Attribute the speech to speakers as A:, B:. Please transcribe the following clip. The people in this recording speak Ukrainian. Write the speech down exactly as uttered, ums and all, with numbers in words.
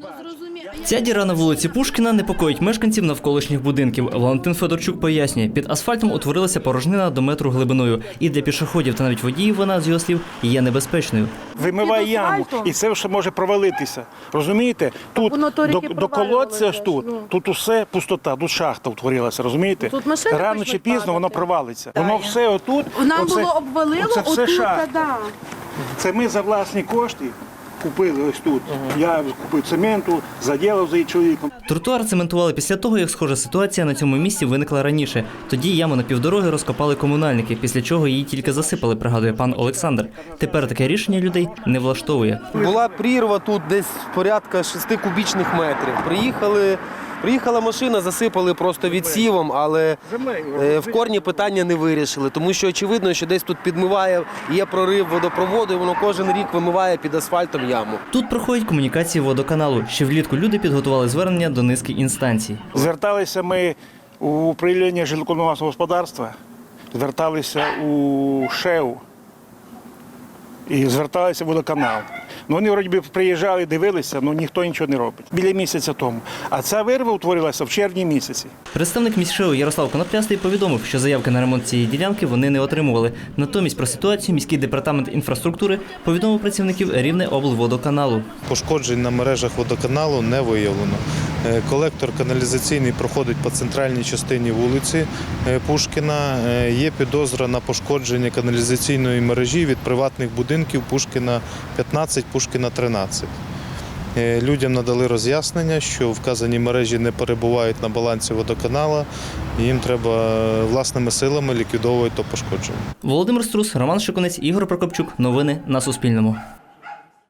A: Ця діра на вулиці Пушкіна непокоїть мешканців навколишніх будинків. Валентин Федорчук пояснює, під асфальтом утворилася порожнина до метру глибиною. І для пішоходів та навіть водіїв вона, з його слів, є небезпечною.
B: Вимиває яму, і це все може провалитися. Розумієте? Тут до, до колодця ж тут, ну. тут усе пустота, тут шахта утворилася, розумієте? Тут рано чи пізно воно провалиться. Да, воно все отут.
C: Нам
B: оце,
C: було обвалило,
B: оце все
C: отут,
B: шахта.
C: Да.
B: Це ми за власні кошти купили ось тут. Угу. Я купив цементу, заділив за її чоловіком.
A: Тротуар цементували після того, як схожа ситуація на цьому місці виникла раніше. Тоді яму на півдороги розкопали комунальники, після чого її тільки засипали, пригадує пан Олександр. Тепер таке рішення людей не влаштовує.
D: Була прірва тут десь порядка шести кубічних метрів. Приїхали... Приїхала машина, засипали просто відсівом, але в корні питання не вирішили, тому що очевидно, що десь тут підмиває, є прорив водопроводу, і воно кожен рік вимиває під асфальтом яму.
A: Тут проходять комунікації водоканалу. Ще влітку люди підготували звернення до низки інстанцій.
B: Зверталися ми у управління житлово-комунального господарства, зверталися у ШЕУ і зверталися в водоканал. Ну, вони, вроді би, приїжджали, дивилися, але ніхто нічого не робить. Біля місяця тому. А ця вирва утворилася в червні місяці.
A: Представник міськшеу Ярослав Коноплястий повідомив, що заявки на ремонт цієї ділянки вони не отримували. Натомість про ситуацію міський департамент інфраструктури повідомив працівників Рівнеоблводоканалу.
E: Пошкоджень на мережах водоканалу не виявлено. Колектор каналізаційний проходить по центральній частині вулиці Пушкіна. Є підозра на пошкодження каналізаційної мережі від приватних будинків Пушкіна п'ятнадцять, Пушкіна тринадцять. Людям надали роз'яснення, що вказані мережі не перебувають на балансі водоканалу, і їм треба власними силами ліквідовувати то пошкодження.
A: Володимир Струс, Роман Шикунець, Ігор Прокопчук. Новини на Суспільному.